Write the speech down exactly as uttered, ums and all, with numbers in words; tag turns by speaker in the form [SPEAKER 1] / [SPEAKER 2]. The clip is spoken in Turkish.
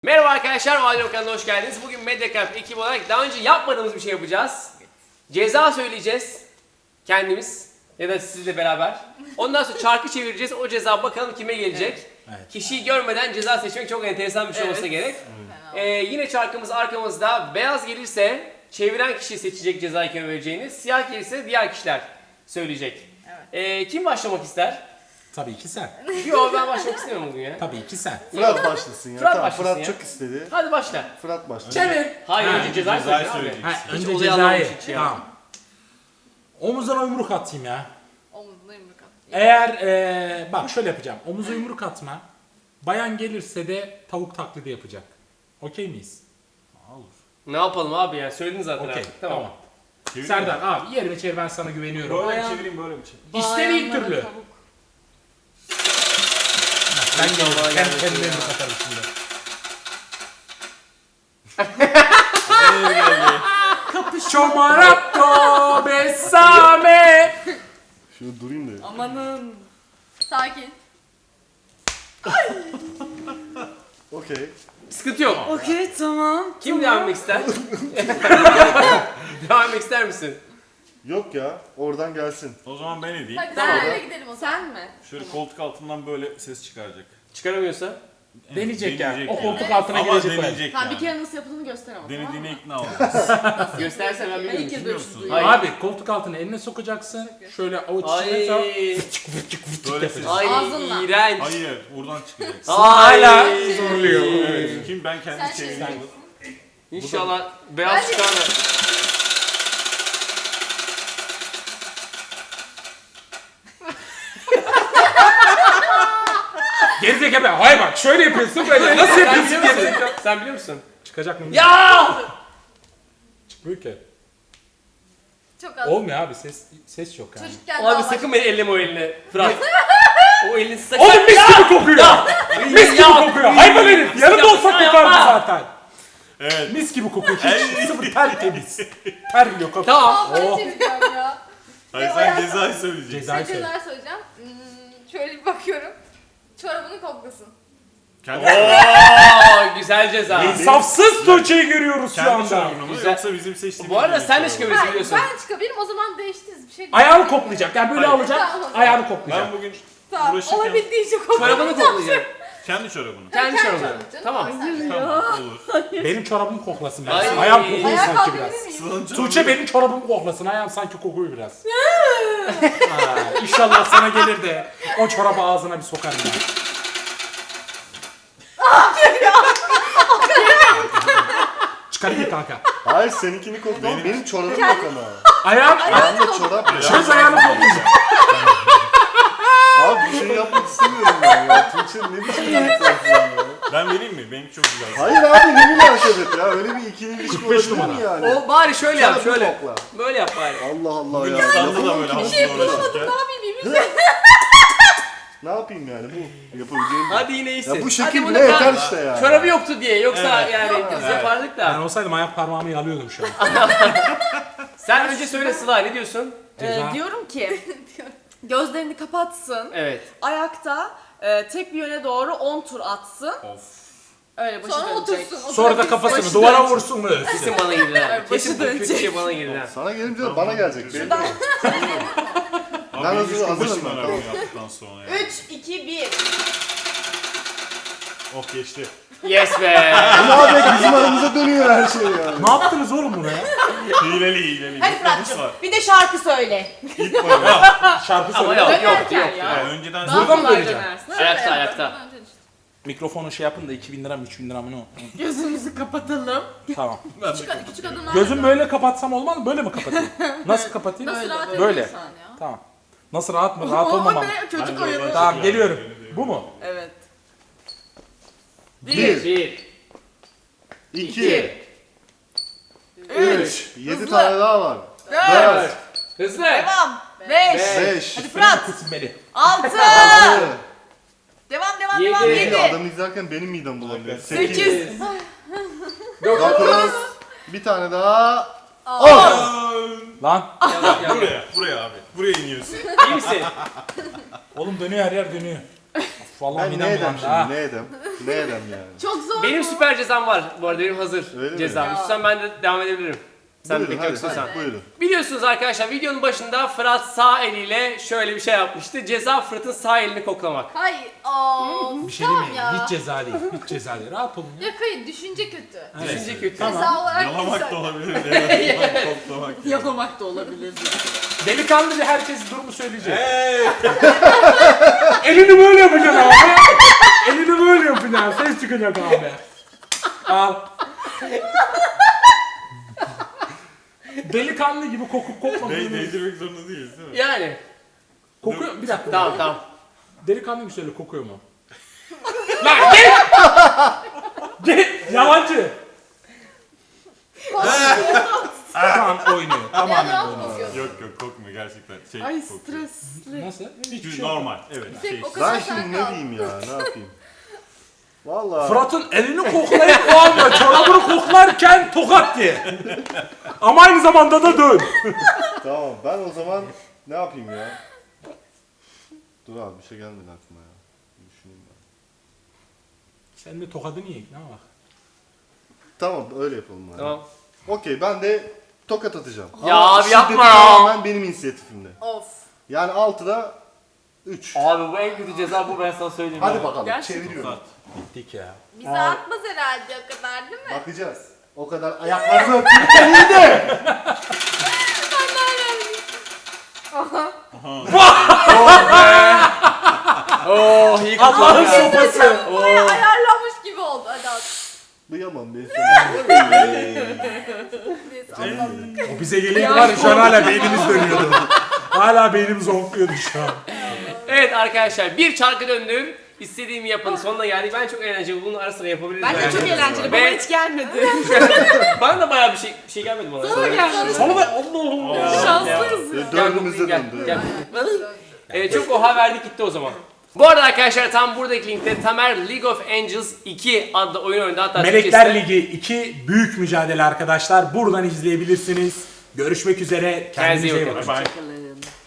[SPEAKER 1] Merhaba arkadaşlar, Validem kanalına hoş geldiniz. Bugün Mediacamp ekibi olarak daha önce yapmadığımız bir şey yapacağız. Ceza söyleyeceğiz. Kendimiz ya da sizle beraber. Ondan sonra çarkı çevireceğiz. O ceza bakalım kime gelecek. Evet. Evet. Kişiyi görmeden ceza seçmek çok enteresan bir şey evet. olsa gerek. Ee, yine çarkımız arkamızda. Beyaz gelirse çeviren kişi seçecek cezayı kime vereceğini. Siyah gelirse diğer kişiler söyleyecek. Evet. Ee, kim başlamak ister?
[SPEAKER 2] Tabii ki sen.
[SPEAKER 1] Yok ben başlamak istemiyorum bugün ya.
[SPEAKER 2] Tabii ki sen.
[SPEAKER 3] Fırat başlasın ya.
[SPEAKER 1] Fırat
[SPEAKER 3] tamam,
[SPEAKER 1] başlasın
[SPEAKER 3] Fırat
[SPEAKER 1] ya.
[SPEAKER 3] çok istedi.
[SPEAKER 1] Hadi başla.
[SPEAKER 3] Fırat başlasın.
[SPEAKER 1] Çevir. Hayır
[SPEAKER 2] Ha,
[SPEAKER 1] önce cezayı
[SPEAKER 4] cezayı
[SPEAKER 1] söyleyeceksin abi.
[SPEAKER 2] Ha,
[SPEAKER 1] Hiç
[SPEAKER 2] önce
[SPEAKER 1] olayı
[SPEAKER 2] cezayı.
[SPEAKER 1] anlamamış hiç ya.
[SPEAKER 2] Tamam. Omuzuna yumruk atayım ya.
[SPEAKER 5] Omuzuna yumruk at.
[SPEAKER 2] Eğer ee, bak şöyle yapacağım. Omuza yumruk atma. Bayan gelirse de tavuk taklidi yapacak. Okey miyiz?
[SPEAKER 4] Olur.
[SPEAKER 1] Ne yapalım abi ya? Söyledin zaten
[SPEAKER 2] Okey.
[SPEAKER 1] artık. Tamam.
[SPEAKER 2] Tamam.
[SPEAKER 4] Çevireyim
[SPEAKER 2] Serdar
[SPEAKER 4] mi?
[SPEAKER 2] abi yerine çevir, ben sana güveniyorum.
[SPEAKER 4] Böyle mi
[SPEAKER 2] Bayan...
[SPEAKER 4] çevireyim böyle mi çevireyim?
[SPEAKER 2] İstediğin
[SPEAKER 5] Bayanlara
[SPEAKER 2] türlü.
[SPEAKER 5] tavuk.
[SPEAKER 2] Ben
[SPEAKER 1] İnşallah
[SPEAKER 2] gelirim.
[SPEAKER 1] gelmesin
[SPEAKER 2] Kendi kendime
[SPEAKER 1] ya.
[SPEAKER 2] yumruk atarım şimdi. Çomaratto besame.
[SPEAKER 3] Şöyle durayım da.
[SPEAKER 5] Amanın. Sakin.
[SPEAKER 3] Okey.
[SPEAKER 1] Sıkıntı yok.
[SPEAKER 5] Okey tamam.
[SPEAKER 1] Kim devam etmek ister? Devam etmek ister misin?
[SPEAKER 3] Yok ya. Oradan gelsin.
[SPEAKER 4] O zaman ben edeyim.
[SPEAKER 5] Hadi
[SPEAKER 1] Tamam.
[SPEAKER 5] sen öyle gidelim o zaman. Sen mi?
[SPEAKER 4] Şöyle koltuk altından böyle ses çıkaracak.
[SPEAKER 1] Çıkaramıyorsa?
[SPEAKER 2] Deneyecek ya.
[SPEAKER 4] Deneyecek
[SPEAKER 2] O
[SPEAKER 4] yani.
[SPEAKER 2] koltuk altına
[SPEAKER 4] Ama
[SPEAKER 2] girecek böyle.
[SPEAKER 4] deneyecek
[SPEAKER 5] Tamam
[SPEAKER 4] yani.
[SPEAKER 5] bir kere nasıl yapıldığını göster ama.
[SPEAKER 4] Denediğine
[SPEAKER 5] tamam mı?
[SPEAKER 4] ikna ol.
[SPEAKER 1] Göstersen ben
[SPEAKER 5] Ben
[SPEAKER 1] bilmiyorum.
[SPEAKER 5] ilk kez böyle
[SPEAKER 4] Biliyor
[SPEAKER 5] bir şey
[SPEAKER 4] musun?
[SPEAKER 5] duyuyorum.
[SPEAKER 1] Hayır.
[SPEAKER 2] Abi koltuk altına eline sokacaksın. Şöyle avuç
[SPEAKER 1] Ay.
[SPEAKER 2] içine sal.
[SPEAKER 4] Böyle ses.
[SPEAKER 1] Ay
[SPEAKER 5] Ağzınla.
[SPEAKER 1] iğrenç.
[SPEAKER 4] Hayır, buradan çıkacak.
[SPEAKER 1] Ay.
[SPEAKER 2] Hala zorluyor.
[SPEAKER 4] Evet. Kim ben kendi
[SPEAKER 5] Sen
[SPEAKER 4] çevireyim.
[SPEAKER 5] çevir.
[SPEAKER 1] İnşallah beyaz
[SPEAKER 5] Hadi.
[SPEAKER 1] çıkar da.
[SPEAKER 2] Gerizekalı. Hayır bak şöyle yapıyorsun böyle. Nasıl
[SPEAKER 1] Sen
[SPEAKER 2] yapıyorsun
[SPEAKER 1] biliyor musun?
[SPEAKER 2] gerizekalı?
[SPEAKER 1] Sen biliyor musun?
[SPEAKER 2] Çıkacak mı?
[SPEAKER 1] Ya!
[SPEAKER 2] Çıkmıyor ki.
[SPEAKER 5] Çok az.
[SPEAKER 2] Olmuyor abi, ses ses yok yani.
[SPEAKER 5] Çocukken
[SPEAKER 1] Abi
[SPEAKER 5] daha
[SPEAKER 1] sakın beni elleme o elini. Fırat. O elini sakın.
[SPEAKER 2] Oğlum mis gibi kokuyor. Mis gibi
[SPEAKER 1] Ya!
[SPEAKER 2] kokuyor. Hayvan herif. Yanında olsak
[SPEAKER 1] Ya,
[SPEAKER 2] kokardı
[SPEAKER 1] yapma.
[SPEAKER 2] zaten.
[SPEAKER 4] Evet.
[SPEAKER 2] Mis gibi kokuyor. Hiç sıfır tertemiz. Ter yok.
[SPEAKER 1] Tamam.
[SPEAKER 5] Ben
[SPEAKER 2] Oh.
[SPEAKER 5] çevireceğim ya.
[SPEAKER 4] Hayır
[SPEAKER 5] Ya,
[SPEAKER 4] sen
[SPEAKER 5] ya.
[SPEAKER 4] cezayı söyleyeceksin.
[SPEAKER 2] Cezayı
[SPEAKER 5] Bir
[SPEAKER 2] söyle.
[SPEAKER 5] şeyler söyleyeceğim. Hmm, şöyle bir bakıyorum. Çorabını koklasın.
[SPEAKER 4] Kendi,
[SPEAKER 1] Oo, güzel ceza.
[SPEAKER 2] İnsafsız Tuğçe'yi görüyoruz şu
[SPEAKER 4] kendi
[SPEAKER 2] anda.
[SPEAKER 4] çorabını mı
[SPEAKER 1] Güzel.
[SPEAKER 4] yoksa bizim seçtiğimiz
[SPEAKER 1] Bu arada
[SPEAKER 4] bir
[SPEAKER 1] sen de
[SPEAKER 4] çorabı?
[SPEAKER 1] çıkabilirsin
[SPEAKER 5] Hayır
[SPEAKER 1] biliyorsun.
[SPEAKER 5] ben çıkabilirim o zaman değiştiririz bir şey.
[SPEAKER 2] Ayağını koklayacak. Yani böyle
[SPEAKER 4] Hayır.
[SPEAKER 2] alacak.
[SPEAKER 5] Tamam.
[SPEAKER 2] Ayağını koklayacak.
[SPEAKER 4] Ben bugün
[SPEAKER 5] Tamam
[SPEAKER 4] uğraşırken
[SPEAKER 5] olabildiğince koklayacağım.
[SPEAKER 1] Çorabını koklayacak.
[SPEAKER 4] kendi çorabını.
[SPEAKER 1] Kendi
[SPEAKER 5] Kendi
[SPEAKER 1] çorabını.
[SPEAKER 5] çorabını canım.
[SPEAKER 1] Tamam.
[SPEAKER 5] Sen de.
[SPEAKER 4] Tamam olur.
[SPEAKER 2] Benim çorabımı koklasın biraz.
[SPEAKER 1] Ay.
[SPEAKER 2] Ayağım kokuyor
[SPEAKER 5] Ayağa
[SPEAKER 2] sanki
[SPEAKER 5] kalkabilir
[SPEAKER 2] biraz.
[SPEAKER 5] miyim?
[SPEAKER 4] Sıla'nın çorabı-
[SPEAKER 2] Tuğçe benim çorabımı koklasın. Ayağım sanki kokuyor biraz. Ha, İnşallah sana gelir de o çorabı ağzına bir sokarım ya. Çıkarayım kanka.
[SPEAKER 3] Hayır seninkini kokla ama benim çorabım yok ama.
[SPEAKER 2] Ayağım,
[SPEAKER 3] Ayağımda çorap yok.
[SPEAKER 2] çöz ayağını koklayacak.
[SPEAKER 3] Abi bir şey yapmak istemiyorum ben ya. Tuğçe ne biçim yapıyorsun ya?
[SPEAKER 4] Ben vereyim mi? Benimki çok güzel.
[SPEAKER 3] Hayır abi ne münasebet ya. Öyle bir ikili ilişki
[SPEAKER 2] kırk beş
[SPEAKER 3] olabilir mi
[SPEAKER 2] numara.
[SPEAKER 3] yani?
[SPEAKER 1] O bari şöyle yap,
[SPEAKER 3] Çorabını
[SPEAKER 1] şöyle.
[SPEAKER 3] kokla.
[SPEAKER 1] Böyle yap bari.
[SPEAKER 3] Allah Allah
[SPEAKER 4] Bugün
[SPEAKER 3] ya.
[SPEAKER 4] İstanbul'da da
[SPEAKER 3] Yapamam
[SPEAKER 4] böyle
[SPEAKER 3] ki.
[SPEAKER 4] havuzda
[SPEAKER 5] şey bulamadım
[SPEAKER 4] uğraşırken.
[SPEAKER 5] ne yapayım yemin
[SPEAKER 3] Ne yapayım yani bu yapabileceğim bir-
[SPEAKER 1] Hadi yine iyisin.
[SPEAKER 3] Ya bu
[SPEAKER 1] Hadi
[SPEAKER 3] şekil
[SPEAKER 1] bunu
[SPEAKER 3] bile
[SPEAKER 1] kal-
[SPEAKER 3] yeter işte ya.
[SPEAKER 1] Çorabı yoktu diye. Yoksa
[SPEAKER 4] Evet.
[SPEAKER 1] yani
[SPEAKER 5] Yok,
[SPEAKER 1] biz
[SPEAKER 4] evet.
[SPEAKER 1] yapardık
[SPEAKER 2] Ben
[SPEAKER 1] da.
[SPEAKER 2] olsaydım ayak parmağımı yalıyordum şu an.
[SPEAKER 1] Sen önce söyle Sıla, ne diyorsun?
[SPEAKER 2] Ceza.
[SPEAKER 6] Ee, diyorum ki gözlerini kapatsın.
[SPEAKER 1] Evet.
[SPEAKER 6] Ayakta e, tek bir yöne doğru on tur atsın.
[SPEAKER 4] Of.
[SPEAKER 6] Öyle başı
[SPEAKER 5] Sonra
[SPEAKER 6] dönecek.
[SPEAKER 5] otursun.
[SPEAKER 2] Sonra da kafasını
[SPEAKER 6] Başı
[SPEAKER 2] duvara
[SPEAKER 6] dönecek.
[SPEAKER 2] vursun mu?
[SPEAKER 1] Kesin bana girdiler.
[SPEAKER 6] Evet,
[SPEAKER 1] Kesin bu
[SPEAKER 6] başı
[SPEAKER 1] kötü
[SPEAKER 6] dönecek.
[SPEAKER 1] şey bana girdiler.
[SPEAKER 3] Sana gelince de bana gelecek. Benim.
[SPEAKER 4] Abi
[SPEAKER 3] Ben
[SPEAKER 4] benim
[SPEAKER 3] hazır-
[SPEAKER 4] üç gün
[SPEAKER 3] hazırım
[SPEAKER 4] başım
[SPEAKER 3] ben,
[SPEAKER 4] döner
[SPEAKER 3] tamam.
[SPEAKER 4] bunu yaptıktan sonra ya.
[SPEAKER 6] üç, iki, bir.
[SPEAKER 4] Oh geçti.
[SPEAKER 1] Yes be.
[SPEAKER 3] Ama abi bizim aramıza dönüyor her şey yani.
[SPEAKER 2] Ne yaptınız oğlum buna ya?
[SPEAKER 4] Hileli hileli.
[SPEAKER 6] Hadi
[SPEAKER 4] Bir nefis
[SPEAKER 6] Fırat'cığım
[SPEAKER 4] var.
[SPEAKER 6] bir de şarkı söyle.
[SPEAKER 4] İlk var ya.
[SPEAKER 2] Şarkı
[SPEAKER 1] Ama
[SPEAKER 2] söyle.
[SPEAKER 1] yok yok
[SPEAKER 6] Dönerken
[SPEAKER 1] yok.
[SPEAKER 6] ya.
[SPEAKER 4] Ya önceden
[SPEAKER 6] Daha
[SPEAKER 2] Burada mı
[SPEAKER 6] kolay
[SPEAKER 2] döneceğim?
[SPEAKER 6] dönersin.
[SPEAKER 1] Ayakta ayakta.
[SPEAKER 2] Mikrofonu şey yapın da iki bin lira mı üç bin lira mı ne o?
[SPEAKER 6] Gözümüzü kapatalım.
[SPEAKER 2] Tamam.
[SPEAKER 5] Küçük, küçük adımlar.
[SPEAKER 2] Gözüm böyle kapatsam olmaz mı? Böyle mi kapatayım? Nasıl kapatayım?
[SPEAKER 5] Nasıl rahat
[SPEAKER 2] Böyle.
[SPEAKER 5] ediyorsan ya.
[SPEAKER 2] Tamam. Nasıl rahat mı? Rahat
[SPEAKER 6] Oo,
[SPEAKER 2] olmamam.
[SPEAKER 6] ne? Çocuk
[SPEAKER 4] Bence
[SPEAKER 6] oyunu.
[SPEAKER 4] oradan
[SPEAKER 2] Tamam
[SPEAKER 4] çıkıyor.
[SPEAKER 2] geliyorum. Bu mu?
[SPEAKER 6] Evet.
[SPEAKER 3] Bir,
[SPEAKER 1] Bir.
[SPEAKER 3] iki,
[SPEAKER 6] Üç.
[SPEAKER 3] üç, yedi
[SPEAKER 6] Hızlı.
[SPEAKER 3] tane daha var.
[SPEAKER 6] Dört.
[SPEAKER 3] Dört,
[SPEAKER 1] Hızlı.
[SPEAKER 6] Devam. Beş.
[SPEAKER 3] beş,
[SPEAKER 6] Hadi Fırat.
[SPEAKER 2] Kesilmeli.
[SPEAKER 6] Altı.
[SPEAKER 3] altı,
[SPEAKER 6] Devam devam
[SPEAKER 1] Yedi.
[SPEAKER 6] devam.
[SPEAKER 3] yedi.
[SPEAKER 6] Yedi.
[SPEAKER 3] Adamı izlerken benim midem bulanıyor. Sekiz,
[SPEAKER 6] Sekiz.
[SPEAKER 3] dokuz, bir tane daha.
[SPEAKER 5] On.
[SPEAKER 2] Lan.
[SPEAKER 1] Yavaş, yavaş.
[SPEAKER 4] Buraya, buraya abi. Buraya iniyorsun.
[SPEAKER 1] İyi misin?
[SPEAKER 2] Oğlum dönüyor, her yer dönüyor. Vallahi
[SPEAKER 3] Ben
[SPEAKER 2] midem
[SPEAKER 3] ne edem
[SPEAKER 2] bulandı ha.
[SPEAKER 3] şimdi? Ne edem? Ne edem yani?
[SPEAKER 6] Çok zor
[SPEAKER 1] Benim
[SPEAKER 6] mu?
[SPEAKER 1] süper cezam var bu arada, benim hazır
[SPEAKER 3] Öyle mi?
[SPEAKER 1] cezam.
[SPEAKER 6] Ya.
[SPEAKER 1] İstiyorsan ben de devam edebilirim. Sen
[SPEAKER 3] Buyurun
[SPEAKER 1] pek
[SPEAKER 3] hadi,
[SPEAKER 1] yoksun
[SPEAKER 3] hadi,
[SPEAKER 1] sen.
[SPEAKER 3] buyurun.
[SPEAKER 1] Biliyorsunuz arkadaşlar, videonun başında Fırat sağ eliyle şöyle bir şey yapmıştı. Ceza Fırat'ın sağ elini koklamak.
[SPEAKER 5] Hayır. Aa,
[SPEAKER 2] Bir şey
[SPEAKER 5] tamam
[SPEAKER 2] değil mi?
[SPEAKER 5] ya.
[SPEAKER 2] Hiç ceza değil. Hiç ceza değil. Rahat olun ya.
[SPEAKER 5] Yok hayır, düşünce kötü.
[SPEAKER 2] Evet.
[SPEAKER 1] Düşünce kötü.
[SPEAKER 5] Ceza olarak
[SPEAKER 4] Yalamak
[SPEAKER 5] güzel.
[SPEAKER 4] da olabilir. Evet, toplamak.
[SPEAKER 6] Yalamak da olabilir.
[SPEAKER 2] Delikanlıca herkes durumu söyleyecek. Elini böyle yapacaksın abi. Elini böyle yapacaksın. Ses çıkacak abi. Al. Delikanlı gibi kokup
[SPEAKER 4] Değ
[SPEAKER 2] kokmadığını...
[SPEAKER 4] değdirmek zorunda değiliz değil mi?
[SPEAKER 1] Yani.
[SPEAKER 2] Kokuyor. Bir dakika.
[SPEAKER 1] Tamam tamam.
[SPEAKER 2] Delikanlı gibi söyle, kokuyor mu? Lan git! Git! Yalancı! Tamam oynuyor. Tamamen
[SPEAKER 5] Yalan
[SPEAKER 2] oynuyor.
[SPEAKER 5] kokuyor.
[SPEAKER 4] Yok yok kokmuyor gerçekten. Şey
[SPEAKER 6] Ay
[SPEAKER 4] kokuyor.
[SPEAKER 6] stresli.
[SPEAKER 2] Nasıl? Hiçbir
[SPEAKER 4] Çünkü
[SPEAKER 2] şey yok.
[SPEAKER 4] normal. Evet. Şey.
[SPEAKER 5] O kadar
[SPEAKER 3] Ben
[SPEAKER 5] sen
[SPEAKER 3] şimdi
[SPEAKER 5] kal.
[SPEAKER 3] ne diyeyim ya? Ne yapayım? Vallahi.
[SPEAKER 2] Fırat'ın elini koklayıp o anda çorabını koklarken tokat diye. Ama aynı zamanda da dön.
[SPEAKER 3] Tamam ben o zaman ne yapayım ya? Dur abi bir şey gelmedi aklıma ya. Bir düşüneyim ben.
[SPEAKER 2] Sen de tokadını ye. Ne bak.
[SPEAKER 3] Tamam öyle yapalım yani.
[SPEAKER 1] Tamam.
[SPEAKER 3] Okey ben de tokat atacağım.
[SPEAKER 1] Ya
[SPEAKER 3] Ama
[SPEAKER 1] abi
[SPEAKER 3] şiddeti
[SPEAKER 1] yapma.
[SPEAKER 3] tamamen benim inisiyatifimde.
[SPEAKER 6] Of.
[SPEAKER 3] Yani altıda üç.
[SPEAKER 1] Abi bu en kötü ceza bu, ben sana söyleyeyim.
[SPEAKER 3] Hadi
[SPEAKER 1] ya.
[SPEAKER 3] bakalım
[SPEAKER 6] Gerçekten.
[SPEAKER 3] çeviriyorum.
[SPEAKER 2] Bittik ya.
[SPEAKER 5] Bize atmaz herhalde o kadar değil mi?
[SPEAKER 3] Bakacağız. O kadar ayaklarını öptükten iyi de.
[SPEAKER 1] Oh iyi
[SPEAKER 2] Allah'ın
[SPEAKER 1] kokladı.
[SPEAKER 2] sopası.
[SPEAKER 5] Buraya ayarlanmış gibi oldu. Hadi at.
[SPEAKER 3] Duyamam ben seni.
[SPEAKER 5] Neyse anladık.
[SPEAKER 2] O bize gelince var ya şu an hala beynimiz dönüyordu. Hala beynimiz onkluyordu şu an.
[SPEAKER 1] Evet arkadaşlar, bir çarkı döndür. İstediğimi yapın. Sonuna geldik. Ben çok eğlenceli. Bunun arasında yapabiliriz.
[SPEAKER 6] Bence
[SPEAKER 1] yani.
[SPEAKER 6] çok eğlenceli. Bana
[SPEAKER 1] Ben-
[SPEAKER 6] hiç gelmedi.
[SPEAKER 1] Bana da bayağı bir şey bir şey gelmedi bana.
[SPEAKER 6] Sana geldi.
[SPEAKER 2] Sonra da Allah'ım ya.
[SPEAKER 6] Şanslıyız.
[SPEAKER 3] Ve Dördümüzde
[SPEAKER 1] gel,
[SPEAKER 3] döndü.
[SPEAKER 1] gel. Evet, çok oha verdik gitti o zaman. Bu arada arkadaşlar tam buradaki linkte Tamer League of Angels iki adlı oyun oynadı. Hatta
[SPEAKER 2] Melekler
[SPEAKER 1] Türkçesi-
[SPEAKER 2] Ligi iki büyük mücadele arkadaşlar. Buradan izleyebilirsiniz. Görüşmek üzere. Kendinize iyi
[SPEAKER 1] iyi
[SPEAKER 2] bakın.
[SPEAKER 1] bakın.
[SPEAKER 4] Bye bye.
[SPEAKER 6] Bakalım.